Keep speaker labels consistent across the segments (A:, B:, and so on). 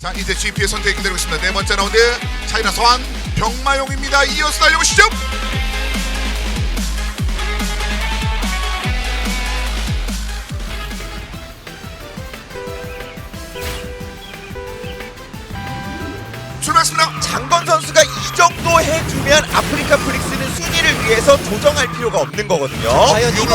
A: 자, 이제 GP의 선택이 기다리고 있습니다. 네 번째 라운드 차이나 서한 병마용입니다. 이어서 달려보시죠. 출발했습니다.
B: 장건 선수가 이 정도 해주면 아프리카 프릭스는 순위를 위해서 조정할 필요가 없는 거거든요.
C: 과연 이거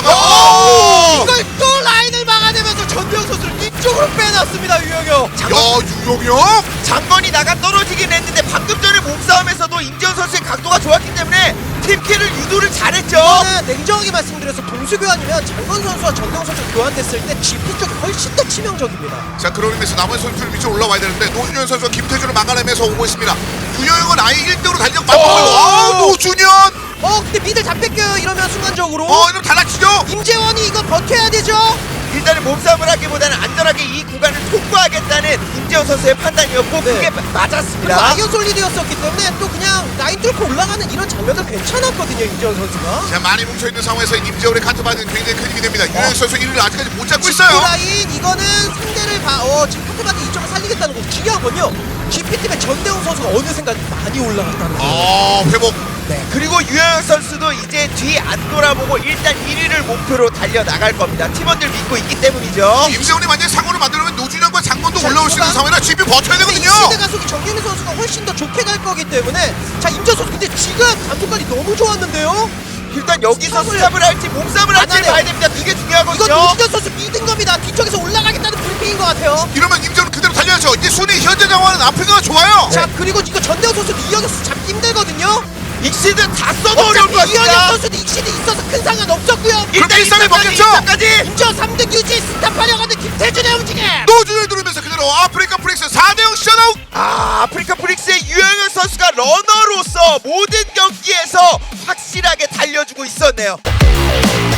A: 올라가.
C: 이걸 또 라인을 막아내면서 전대웅 선수를 뒤쪽으로 빼놨습니다. 유영혁.
A: 야, 유용혁.
B: 장건이 나가 떨어지긴 했는데 방금 전에 몸싸움에서도 임재훈 선수의 각도가 좋았기 때문에 팀킬을 유도를 잘했죠.
C: 저는 냉정하게 말씀드려서 동수 교환이면 장건 선수와 전대웅 선수 교환됐을 때 GP 쪽이 훨씬 더 치명적입니다.
A: 자, 그런 의미에서 남은 선수를 위쪽으로 올라와야 되는데 노준현 선수가 김태준을 막아내면서 오고 있습니다. 유영혁은 아예 1등으로 달려 맞고 노준현.
C: 근데 미들 다 뺏겨요. 이러면 순간적으로.
A: 이러면 달라치죠.
C: 임재원이 이거 버텨야 되죠.
B: 일단은 몸싸움을 하기보다는 안전하게 이 구간을 통과하겠다는 임재훈 선수의 판단이었고
C: 네.
B: 그게
C: 그리고
B: 맞았습니다.
C: 아이언 솔리드였었기 때문에 또 그냥 라인 뚫고 올라가는 이런 장면도 괜찮았거든요. 임재원 선수가.
A: 자, 많이 뭉쳐있는 상황에서 임재훈의 카트바디는 굉장히 큰 힘이 됩니다. 유영혁 선수 1위를 아직까지 못 잡고 있어요.
C: 라인 이거는 상대를 지금 카트바디 이쪽을 살리겠다는 거 중요한 건요. GP팀의 전대웅 선수가 어느샌가 많이 올라갔다는 거.
A: 회복.
C: 네.
B: 그리고 유영혁 선수도 이제 뒤 안 돌아보고 일단 1위를 목표로 달려나갈 겁니다. 팀원들 믿고 있기 때문이죠.
A: 임재훈이 만약에 상호를 만들면 노준현과 장건도
C: 자,
A: 올라올 수 있는
C: 이거가-
A: 상황이라 GP 버텨야 되거든요.
C: 시대 가속이 정규민 선수가 훨씬 더 좋게 갈 거기 때문에 자 임재원 선수 근데 지금 감속까지 너무 좋았는데요.
B: 일단 여기서
C: 스탑을-
B: 스탑을 할지 몸싸움을
C: 안
B: 할지
C: 하네요.
B: 봐야 됩니다. 이게
C: 이건
B: 중요하거든요.
C: 노준현 선수 믿은 겁니다. 뒤쪽에서 올라가겠다는 브리핑인 것 같아요.
A: 이러면 임재훈은 그대로 달려야죠. 이제 순위 현재 상황은 아프리카가 좋아요.
C: 자 그리고 이거 전대웅 선수 이영혁 선수 잡기 힘들거든요.
B: 익시드 다 써도 어려울 것
C: 어차피 이영혁
B: 같습니다.
C: 선수도 익시드 있어서 큰 상관 없었고요.
B: 일단
A: 일상을
B: 1차까지
A: 먹겠죠?
B: 1차까지
C: 임재원 3등 유지 스탑하려고 하는 김태준의 움직임.
A: 노준현이 누르면서 그대로 아프리카 프릭스 4대0 셧아웃.
B: 아프리카 프릭스의 유영혁 선수가 러너로서 모든 경기에서 확실하게 달려주고 있었네요.